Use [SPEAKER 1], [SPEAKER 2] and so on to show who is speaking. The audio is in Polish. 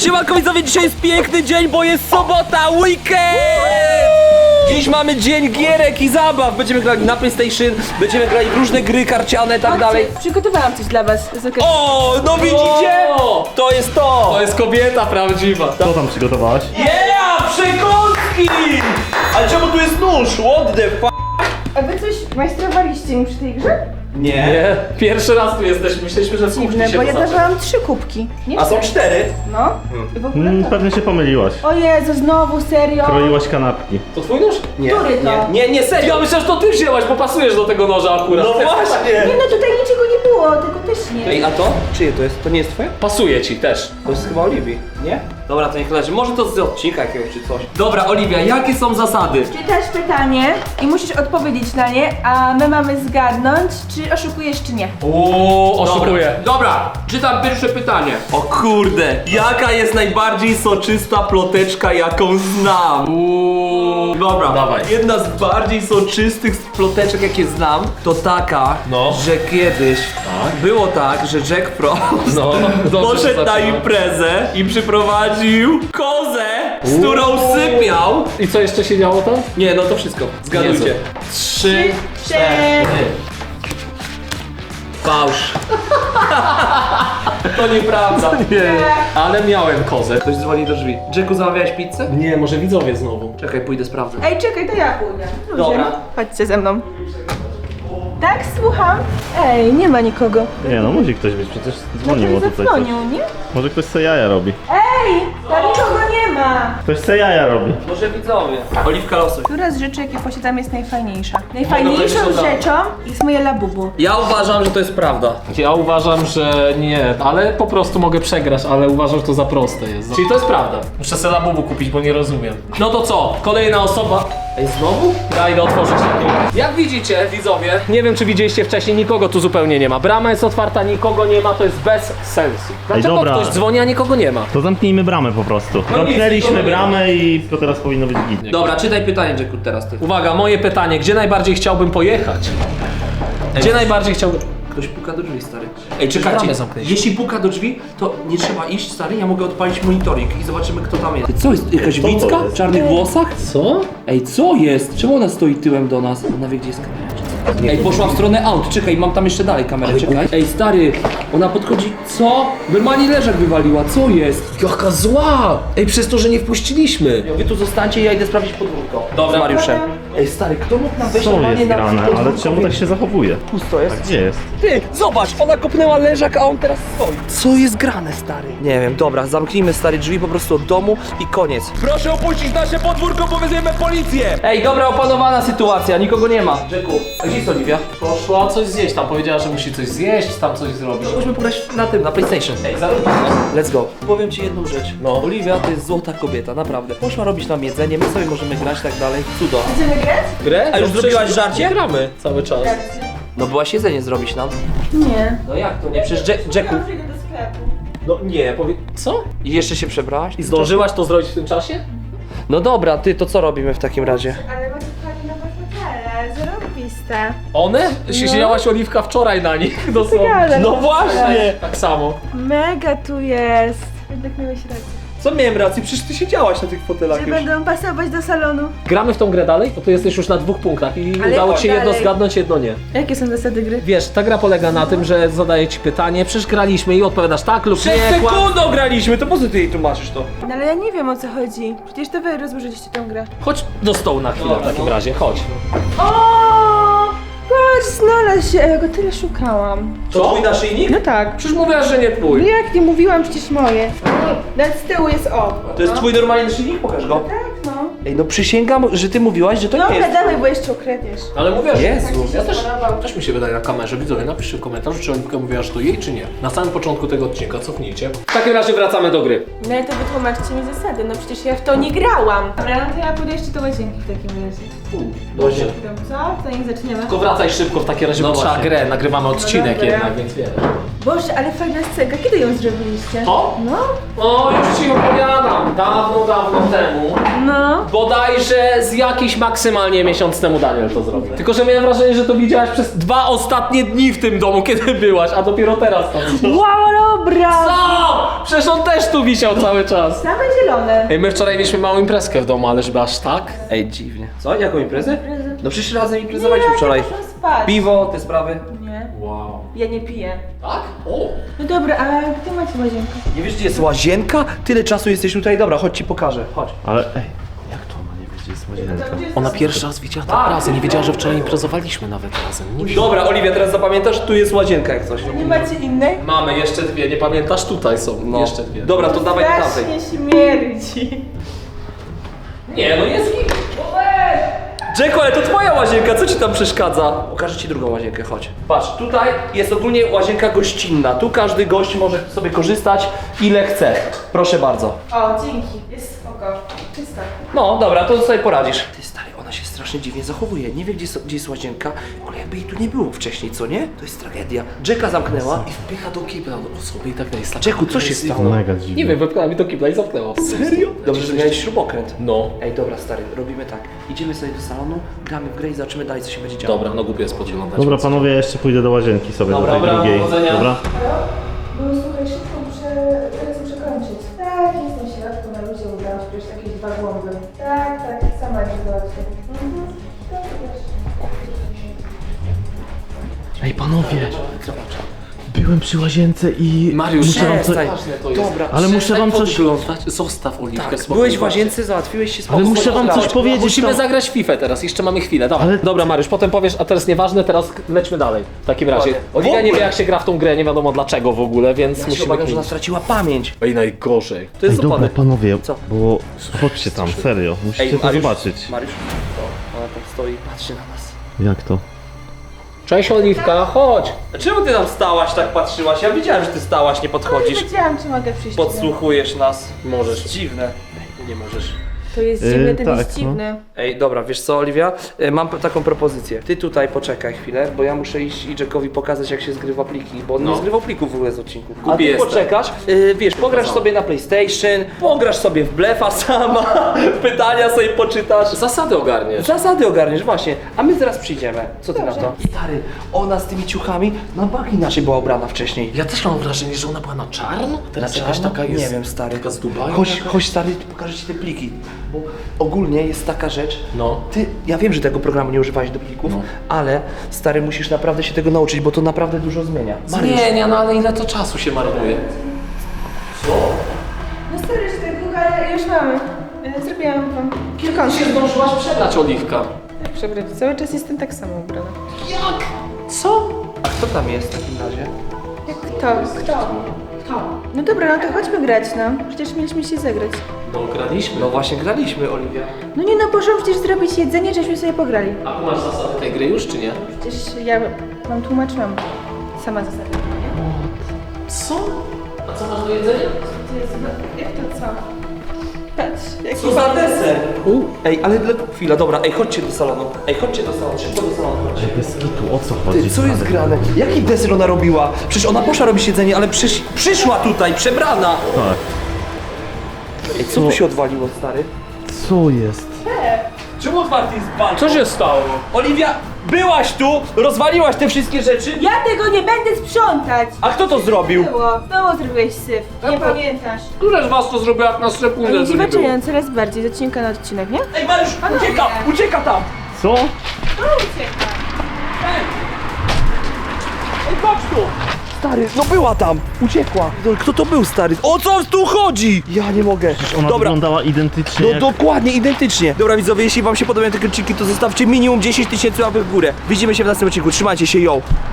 [SPEAKER 1] Siemanko widzowie, dzisiaj jest piękny dzień, bo jest sobota, weekend! Dziś mamy dzień gierek i zabaw. Będziemy grali na PlayStation, będziemy grali w różne gry karciane i tak dalej.
[SPEAKER 2] Przygotowałam coś dla was. Jest okej.
[SPEAKER 1] O, no widzicie? To jest to!
[SPEAKER 3] To jest kobieta prawdziwa.
[SPEAKER 4] Co tam przygotowałaś?
[SPEAKER 1] Yeah, przekąski! Ale czemu tu jest nóż? What the f***?
[SPEAKER 2] A wy coś majstrowaliście mi przy tej grze?
[SPEAKER 1] Nie.
[SPEAKER 3] Nie, pierwszy raz tu jesteśmy, myśleliśmy, że słuchnie
[SPEAKER 2] Dziwne,
[SPEAKER 3] się
[SPEAKER 2] bo ja
[SPEAKER 3] poznaczy.
[SPEAKER 2] dawałam 3 kubki. Nie
[SPEAKER 1] A są 4?
[SPEAKER 2] No. I w ogóle to.
[SPEAKER 4] Pewnie się pomyliłaś.
[SPEAKER 2] O Jezu, znowu, serio?
[SPEAKER 4] Kroiłaś kanapki.
[SPEAKER 3] To twój nóż?
[SPEAKER 1] Nie.
[SPEAKER 2] Który to?
[SPEAKER 1] Nie, serio.
[SPEAKER 3] Ja myślę, że to ty wzięłaś, bo pasujesz do tego noża akurat.
[SPEAKER 1] No właśnie.
[SPEAKER 2] Nie no, tutaj niczego nie było, tego też nie.
[SPEAKER 1] Ej, a to? Czyje to jest? To nie jest twoje?
[SPEAKER 3] Pasuje ci też.
[SPEAKER 1] To jest chyba Oliwii, nie? Dobra, to niech leży. Może to z odcinka jakiegoś czy coś. Dobra, Oliwia, jakie są zasady?
[SPEAKER 2] Czytasz pytanie i musisz odpowiedzieć na nie, a my mamy zgadnąć, czy oszukujesz, czy nie.
[SPEAKER 3] Uuu, oszukuję.
[SPEAKER 5] Dobra, czytam pierwsze pytanie.
[SPEAKER 1] O kurde, jaka jest najbardziej soczysta ploteczka, jaką znam? Dobra,
[SPEAKER 3] Dawaj.
[SPEAKER 1] jedna z bardziej soczystych ploteczek, jakie znam, to taka,
[SPEAKER 3] No.
[SPEAKER 1] że kiedyś było tak, że Jack Frost
[SPEAKER 3] No, dobrze
[SPEAKER 1] poszedł na
[SPEAKER 3] zaczynamy.
[SPEAKER 1] imprezę i przyprowadził kozę, z którą sypiał.
[SPEAKER 3] I co jeszcze się działo tam?
[SPEAKER 1] Nie, no to wszystko, zgadujcie.
[SPEAKER 3] Jezu.
[SPEAKER 1] 3,
[SPEAKER 2] 4.
[SPEAKER 1] Fałsz.
[SPEAKER 3] To nieprawda. Nie. Ale miałem kozę.
[SPEAKER 1] Ktoś dzwoni do drzwi. Jacku, zamawiałeś pizzę?
[SPEAKER 3] Nie, może widzowie znowu.
[SPEAKER 1] Czekaj, pójdę sprawdzę.
[SPEAKER 2] Ej, czekaj, to ja pójdę. Ludzie.
[SPEAKER 1] Dobra.
[SPEAKER 2] Chodźcie ze mną. Tak, słucham. Ej, nie ma nikogo.
[SPEAKER 4] Nie no, musi ktoś być, przecież dzwoniło
[SPEAKER 2] Ktoś
[SPEAKER 4] tutaj coś.
[SPEAKER 2] zadzwonił, nie?
[SPEAKER 4] Może ktoś se jaja robi.
[SPEAKER 2] Ej, tam nikogo nie ma.
[SPEAKER 4] Ktoś se jaja robi.
[SPEAKER 1] Może widzowie. Oliwka losuj.
[SPEAKER 2] Która z rzeczy, jakie posiadam, jest najfajniejsza?
[SPEAKER 3] powiedzieć
[SPEAKER 2] Najfajniejszą
[SPEAKER 3] od razu.
[SPEAKER 2] rzeczą jest moje labubu.
[SPEAKER 1] Ja uważam, że to jest prawda.
[SPEAKER 3] Ja uważam, że nie, ale po prostu mogę przegrać, ale uważam, że to za proste jest. Czyli to jest prawda. Muszę sobie labubu kupić, bo nie rozumiem. No to co? Kolejna osoba. Ej, znowu? Ja idę otworzyć lepiej. Jak widzicie, widzowie, nie wiem czy widzieliście wcześniej, nikogo tu zupełnie nie ma. Brama jest otwarta, nikogo nie ma, to jest bez sensu. Dlaczego
[SPEAKER 4] dobra.
[SPEAKER 3] ktoś dzwoni, a nikogo nie ma?
[SPEAKER 4] To zamknijmy bramę po prostu.
[SPEAKER 1] No
[SPEAKER 4] Zamknęliśmy
[SPEAKER 1] nic,
[SPEAKER 4] bramę i to teraz powinno być git.
[SPEAKER 1] Dobra, czytaj pytanie, Jacku, teraz ty.
[SPEAKER 3] Uwaga, moje pytanie, gdzie najbardziej chciałbym pojechać? Gdzie najbardziej chciałbym...
[SPEAKER 1] Ktoś puka do drzwi, stary. Ej, czekajcie,
[SPEAKER 3] Bramę zamknęliśmy.
[SPEAKER 1] jeśli puka do drzwi, to nie trzeba iść, stary, ja mogę odpalić monitoring i zobaczymy, kto tam jest. Co jest, jakaś
[SPEAKER 4] to
[SPEAKER 1] Wicka
[SPEAKER 4] jest?
[SPEAKER 1] w czarnych włosach?
[SPEAKER 3] Co?
[SPEAKER 1] Ej, co jest? Czemu ona stoi tyłem do nas? Ona wie, gdzie jest kamera, czy co? Ej, poszła w stronę aut, czekaj, mam tam jeszcze dalej kamerę, czekaj. Ej, stary, ona podchodzi, co? Normalnie leżak wywaliła, co jest?
[SPEAKER 3] Jaka zła! Ej, przez to, że nie wpuściliśmy.
[SPEAKER 1] Wy tu zostańcie, ja idę sprawdzić podwórko.
[SPEAKER 3] Dobra.
[SPEAKER 1] Z Mariuszem. Ej, stary, kto mógł nam wejść
[SPEAKER 4] Co
[SPEAKER 1] normalnie
[SPEAKER 4] jest
[SPEAKER 1] na
[SPEAKER 4] grane? Ale
[SPEAKER 1] podwórko?
[SPEAKER 4] czemu tak się zachowuje?
[SPEAKER 1] Pusto jest.
[SPEAKER 4] A gdzie jest?
[SPEAKER 1] Ty, zobacz, ona kopnęła leżak, a on teraz stoi. Co jest grane, stary? Nie wiem, dobra, zamknijmy, stary, drzwi po prostu od domu i koniec. Proszę opuścić nasze podwórko, bo wezwiemy policję! Ej, dobra, opanowana sytuacja, nikogo nie ma. Jacku, a gdzie jest Oliwia?
[SPEAKER 3] Poszła coś zjeść, tam powiedziała, że musi coś zjeść, tam coś zrobić.
[SPEAKER 1] Musimy pograć na tym, na PlayStation.
[SPEAKER 3] Ej, zarobimy.
[SPEAKER 1] Let's go. Powiem ci jedną rzecz. No. Oliwia to jest złota kobieta, naprawdę. Poszła robić nam jedzenie, my sobie możemy grać i tak dalej. Cudo.
[SPEAKER 2] Będziemy grać?
[SPEAKER 1] Grę? A już
[SPEAKER 3] No
[SPEAKER 1] zrobiłaś
[SPEAKER 3] przecież
[SPEAKER 1] żarcie?
[SPEAKER 3] Gramy cały czas.
[SPEAKER 1] No byłaś jedzenie zrobić nam.
[SPEAKER 2] Nie.
[SPEAKER 1] No jak to nie? Przecież Jacku...
[SPEAKER 2] Przyjdę do sklepu.
[SPEAKER 3] No nie, co?
[SPEAKER 1] I jeszcze się przebrałaś?
[SPEAKER 3] I zdążyłaś to zrobić w tym czasie?
[SPEAKER 1] No dobra, ty, to co robimy w takim razie?
[SPEAKER 2] Ale macie fajne nowe fotele, zarobiste.
[SPEAKER 3] One? Siedziałaś Oliwka wczoraj na nich, dosłownie.
[SPEAKER 2] Ale
[SPEAKER 1] No właśnie!
[SPEAKER 3] Tak samo.
[SPEAKER 2] Mega tu jest. Jednak miałeś rację.
[SPEAKER 1] Co miałem rację? Przecież ty siedziałaś na tych fotelach
[SPEAKER 2] Że
[SPEAKER 1] już.
[SPEAKER 2] będą pasować do salonu.
[SPEAKER 3] Gramy w tą grę dalej? Bo tu jesteś już na 2 punktach i
[SPEAKER 2] Ale
[SPEAKER 3] udało
[SPEAKER 2] jak
[SPEAKER 3] ci się jedno
[SPEAKER 2] dalej?
[SPEAKER 3] zgadnąć, jedno nie.
[SPEAKER 2] Jakie są zasady gry?
[SPEAKER 3] Wiesz, ta gra polega na tym, że zadaję ci pytanie, przecież graliśmy i odpowiadasz tak lub
[SPEAKER 1] Przed
[SPEAKER 3] nie.
[SPEAKER 1] sekundą graliśmy, to po co ty jej tłumaczysz to?
[SPEAKER 2] No ale ja nie wiem o co chodzi. Przecież to wy rozłożyliście tę grę.
[SPEAKER 3] Chodź do stołu na chwilę w takim razie, chodź.
[SPEAKER 2] O! Patrz, znalazł się. Ja go tyle szukałam.
[SPEAKER 1] To twój naszyjnik?
[SPEAKER 2] No tak.
[SPEAKER 3] Przecież mówiłaś, że nie
[SPEAKER 2] No
[SPEAKER 3] twój.
[SPEAKER 2] jak nie mówiłam, przecież moje. Nawet z tyłu jest o.
[SPEAKER 1] To jest twój normalny naszyjnik? Pokaż go.
[SPEAKER 2] Tak, no.
[SPEAKER 1] Ej, no przysięgam, że ty mówiłaś, że to nie
[SPEAKER 2] Dobra,
[SPEAKER 1] jest.
[SPEAKER 2] dawaj, bo jeszcze ukradniesz.
[SPEAKER 3] Ale mówiłaś,
[SPEAKER 1] Jezu.
[SPEAKER 3] ja też mi się wydaje na kamerze. Widzowie, napiszcie w komentarzu, czy Oliwka mówiła, że to jej, czy nie. Na samym początku tego odcinka, cofnijcie. W takim razie wracamy do gry.
[SPEAKER 2] No ale to wytłumaczcie mi zasady, no przecież ja w to nie grałam. Dobra, no to ja pójdę jeszcze do łazienki w takim razie.
[SPEAKER 3] Dobrze.
[SPEAKER 2] Co? To nie zaczniemy.
[SPEAKER 3] Tylko wracaj szybko w takim razie,
[SPEAKER 1] No
[SPEAKER 3] bo trzeba
[SPEAKER 1] właśnie.
[SPEAKER 3] grę, nagrywamy odcinek
[SPEAKER 2] dobra.
[SPEAKER 3] jednak, więc wiesz.
[SPEAKER 2] Boże, ale fajna scenka. Kiedy ją zrobiliście?
[SPEAKER 3] To?
[SPEAKER 2] No.
[SPEAKER 3] O, już ci opowiadam. Dawno temu.
[SPEAKER 2] No.
[SPEAKER 3] Bodajże z jakiś maksymalnie miesiąc temu Daniel to zrobił. Tylko, że miałem wrażenie, że to widziałaś przez 2 ostatnie dni w tym domu, kiedy byłaś, a dopiero teraz tam.
[SPEAKER 2] Wow, dobra!
[SPEAKER 3] Co? Przecież on też tu wisiał cały czas.
[SPEAKER 2] Same zielone.
[SPEAKER 3] Ej, my wczoraj mieliśmy małą imprezkę w domu, ale żeby aż tak?
[SPEAKER 1] Ej, dziwnie. Co? Jaką imprezę? No przecież razem imprezowaliśmy
[SPEAKER 2] Nie,
[SPEAKER 1] wczoraj.
[SPEAKER 2] nie poszłam spać.
[SPEAKER 1] Piwo, te sprawy.
[SPEAKER 2] Nie,
[SPEAKER 3] Wow.
[SPEAKER 2] ja nie piję.
[SPEAKER 3] Tak? O!
[SPEAKER 2] No dobra, ale gdzie macie łazienkę?
[SPEAKER 1] Nie wiesz, gdzie jest łazienka? Tyle czasu jesteśmy tutaj. Dobra, chodź ci pokażę. Chodź.
[SPEAKER 4] Ale ej, jak to ona nie wie, gdzie jest łazienka?
[SPEAKER 3] Ona pierwszy raz widziała tak razem, nie wiedziała, że wczoraj imprezowaliśmy nawet razem. Nie
[SPEAKER 1] Dobra, Oliwia, teraz zapamiętasz, tu jest łazienka jak coś.
[SPEAKER 2] Nie macie innej?
[SPEAKER 3] Mamy jeszcze 2, nie pamiętasz? Tutaj są jeszcze 2.
[SPEAKER 1] Dobra, to dawaj do tamtej.
[SPEAKER 2] Strasznie śmierdzi.
[SPEAKER 3] Nie, no jest git.
[SPEAKER 1] Jacku, ale to twoja łazienka, co ci tam przeszkadza? Pokażę ci drugą łazienkę, chodź. Patrz, tutaj jest ogólnie łazienka gościnna. Tu każdy gość może sobie korzystać ile chce. Proszę bardzo.
[SPEAKER 2] O, dzięki. Jest spoko. Czysto.
[SPEAKER 1] No, dobra, to sobie poradzisz. Ty stary, ona się strasznie dziwnie zachowuje. Nie wie, gdzie jest łazienka, ale jakby jej tu nie było wcześniej, co nie? To jest tragedia. Jacka zamknęła i
[SPEAKER 3] Wpycha do kibla do osoby i tak dalej.
[SPEAKER 1] Jacku, co się stało?
[SPEAKER 4] Mega dziwne.
[SPEAKER 3] Nie wiem, wepchnęła mi do kibla i zamknęła.
[SPEAKER 1] Serio? Dobrze, że miałeś śrubokręt.
[SPEAKER 3] No.
[SPEAKER 1] Ej, dobra, stary, robimy tak. Idziemy sobie do salonu, gramy w grę i zobaczymy dalej, co się będzie działo.
[SPEAKER 3] Dobra, no głupio jest podglądać.
[SPEAKER 4] Dobra panowie, ja jeszcze pójdę do łazienki sobie,
[SPEAKER 1] Dobra,
[SPEAKER 4] do tej
[SPEAKER 1] dobra,
[SPEAKER 4] drugiej.
[SPEAKER 3] powodzenia.
[SPEAKER 4] Dobra?
[SPEAKER 2] No słuchaj, szybko muszę przekończyć. Tak, jestem w środku, na luzie udało się przecież jakieś 2 głąby. Tak, sama nie załatwię. Tak, wiesz.
[SPEAKER 4] Ej panowie, byłem przy łazience i
[SPEAKER 3] Mariusz,
[SPEAKER 4] muszę wam
[SPEAKER 1] przestań.
[SPEAKER 4] coś...
[SPEAKER 3] ważne to jest.
[SPEAKER 1] Dobra,
[SPEAKER 4] Ale muszę wam coś...
[SPEAKER 3] Podglądać. Zostaw Oliwkę
[SPEAKER 1] Tak,
[SPEAKER 3] spokojnie.
[SPEAKER 1] byłeś w łazience, załatwiłeś się
[SPEAKER 4] Ale
[SPEAKER 1] spokojnie.
[SPEAKER 4] muszę wam coś powiedzieć.
[SPEAKER 3] Musimy
[SPEAKER 4] tam.
[SPEAKER 3] zagrać w FIFA teraz, jeszcze mamy chwilę, dobra.
[SPEAKER 4] Ale-
[SPEAKER 3] Dobra Mariusz, potem powiesz, a teraz nieważne, teraz lećmy dalej. W takim razie.
[SPEAKER 1] Dokładnie.
[SPEAKER 3] Oliwia
[SPEAKER 1] W
[SPEAKER 3] nie wie
[SPEAKER 1] ogóle.
[SPEAKER 3] jak się gra w tą grę, nie wiadomo dlaczego w ogóle, więc
[SPEAKER 1] Ja się
[SPEAKER 3] musimy
[SPEAKER 1] obawiam, że ona
[SPEAKER 3] kminić.
[SPEAKER 1] straciła pamięć.
[SPEAKER 3] Ej, najgorzej.
[SPEAKER 1] To jest
[SPEAKER 4] Ej, dobra
[SPEAKER 1] opony.
[SPEAKER 4] panowie,
[SPEAKER 1] Co?
[SPEAKER 4] bo chodźcie tam, serio, musicie to
[SPEAKER 1] Mariusz,
[SPEAKER 4] zobaczyć.
[SPEAKER 1] Mariusz, to ona tam stoi i patrzy na nas.
[SPEAKER 4] Jak to?
[SPEAKER 3] Cześć Oliwka, chodź.
[SPEAKER 1] Czemu ty tam stałaś, tak patrzyłaś? Ja wiedziałem, że ty stałaś, nie
[SPEAKER 2] Nie
[SPEAKER 1] podchodzisz.
[SPEAKER 2] wiedziałam, czy mogę przyjść.
[SPEAKER 1] Podsłuchujesz nas.
[SPEAKER 3] Możesz.
[SPEAKER 1] Dziwne.
[SPEAKER 3] Nie możesz.
[SPEAKER 2] To jest dziwne, ten
[SPEAKER 4] tak,
[SPEAKER 2] jest
[SPEAKER 4] no.
[SPEAKER 2] dziwny.
[SPEAKER 1] Ej, dobra, wiesz co, Oliwia? Mam taką propozycję. Ty tutaj poczekaj chwilę, bo ja muszę iść i Jackowi pokazać, jak się zgrywa pliki, bo on nie zgrywał plików w ogóle z odcinku. A ty
[SPEAKER 3] jestem.
[SPEAKER 1] poczekasz, wiesz, pograsz sobie na PlayStation, pograsz sobie w blefa sama, pytania sobie poczytasz.
[SPEAKER 3] Zasady ogarniesz.
[SPEAKER 1] Zasady ogarniesz, właśnie. A my zaraz przyjdziemy. Co ty
[SPEAKER 2] Dobrze.
[SPEAKER 1] na to? Stary, ona z tymi ciuchami na bank inaczej była ubrana wcześniej.
[SPEAKER 3] Ja też mam wrażenie, że ona była na czarno, a teraz jakaś
[SPEAKER 1] czarno?
[SPEAKER 3] taka jest.
[SPEAKER 1] Nie wiem, stary.
[SPEAKER 3] Taka z Dubaju.
[SPEAKER 1] Chodź stary, pokażę ci te pliki. Bo ogólnie jest taka rzecz.
[SPEAKER 3] No.
[SPEAKER 1] Ja wiem, że tego programu nie używałeś do plików, ale stary, musisz naprawdę się tego nauczyć, bo to naprawdę dużo zmienia.
[SPEAKER 3] Zmienia, no ale ile to czasu się marnuje?
[SPEAKER 2] No stary, że tak długo, ale już mamy. Zrobiłam wam kilka.
[SPEAKER 3] Się zdążyłaś przebrać, Oliwka.
[SPEAKER 2] Przebrać. Cały czas jestem tak samo ubrana.
[SPEAKER 3] Jak? Co?
[SPEAKER 1] A kto tam jest w takim razie?
[SPEAKER 2] Jak kto? No dobra, no to chodźmy grać, no. Przecież mieliśmy się zagrać.
[SPEAKER 3] No graliśmy.
[SPEAKER 1] No właśnie graliśmy, Oliwia.
[SPEAKER 2] No nie no, poszłam przecież zrobić jedzenie, żeśmy sobie pograli.
[SPEAKER 3] A tu masz zasady tej gry już, czy nie?
[SPEAKER 2] Przecież ja wam tłumaczyłam sama zasady, nie?
[SPEAKER 3] Co? A co masz do jedzenia?
[SPEAKER 2] Jak to co? Patrz, jaki
[SPEAKER 1] Co za deser? Ej, ale chwila, dobra, ej, chodźcie do salonu. Ej, chodźcie do salonu, szybko do salonu, chodźcie.
[SPEAKER 4] Bez kitu, o co chodzi?
[SPEAKER 1] Ty, co jest grane? Jaki deser ona robiła? Przecież ona poszła robić jedzenie, ale przyszła tutaj, przebrana!
[SPEAKER 4] Tak.
[SPEAKER 1] Ej, co tu się odwaliło, stary?
[SPEAKER 4] Co jest?
[SPEAKER 1] Czemu otwarty jest balkon?
[SPEAKER 3] Co się stało?
[SPEAKER 1] Oliwia, byłaś tu, rozwaliłaś te wszystkie rzeczy?
[SPEAKER 2] Ja tego nie będę sprzątać!
[SPEAKER 1] A kto to zrobił?
[SPEAKER 2] Znowu zrobiłeś syf. Nie pamiętasz.
[SPEAKER 3] Która z was to zrobiła jak na sekundę?
[SPEAKER 2] Oni
[SPEAKER 3] to
[SPEAKER 2] się
[SPEAKER 3] nie było?
[SPEAKER 2] zaczynają coraz bardziej z odcinka na odcinek, nie?
[SPEAKER 1] Ej, Mariusz,
[SPEAKER 2] Panowie.
[SPEAKER 1] ucieka tam!
[SPEAKER 4] Co?
[SPEAKER 2] Ucieka.
[SPEAKER 1] Ej, patrz tu! Stary, no była tam, uciekła. Kto to był, stary? O co tu chodzi? Ja nie mogę.
[SPEAKER 4] Ona
[SPEAKER 1] Dobra,
[SPEAKER 4] wyglądała identycznie
[SPEAKER 1] no
[SPEAKER 4] jak...
[SPEAKER 1] dokładnie, identycznie. Dobra widzowie, jeśli wam się podobają te odcinki, to zostawcie minimum 10 000 łapek w górę. Widzimy się w następnym odcinku, trzymajcie się, yo!